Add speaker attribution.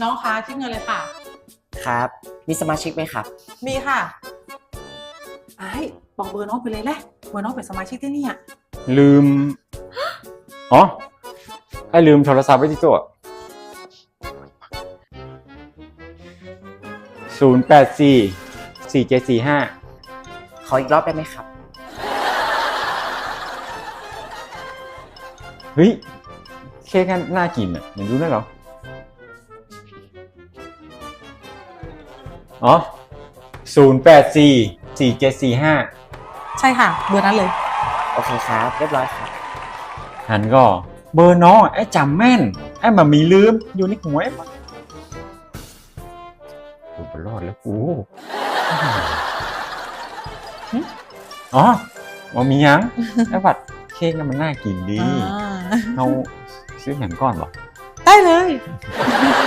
Speaker 1: น้องคะคิดเงินเลยค่ะ
Speaker 2: ครับ มีสมาชิกไหมครับ
Speaker 1: มีค่ะไอ้บอกเบอร์น้องไปเลยแหละเบอร์น้องเป็นสมาชิกที่นี่อ่ะ
Speaker 3: ลืม อ๋อ ไอ้ลืมโทรศัพท์ไว้ที่โต๊ะ084 4745
Speaker 2: ขออีกรอบได้ไหมครับ
Speaker 3: เฮ้ย เค้กกันน่ากินอ่ะเห็นดูได้เหรอ อ๋อ 084 4745
Speaker 1: ใช่ค่ะ เบอร์นั้นเลย
Speaker 2: โอเคครับ เรียบร้อยครับ
Speaker 3: หันก็เบอร์น้องไอ้จำแม่น ไอ้มามีลืมอยู่ในหัวไอ้กูไปรอดแล้วกูอ๋อมามียัง ไอ้บัดเค้กน่ะมันน่ากินดี
Speaker 1: อ่า
Speaker 3: เราซื้อหนังก้อนเหรอ
Speaker 1: ได้เลย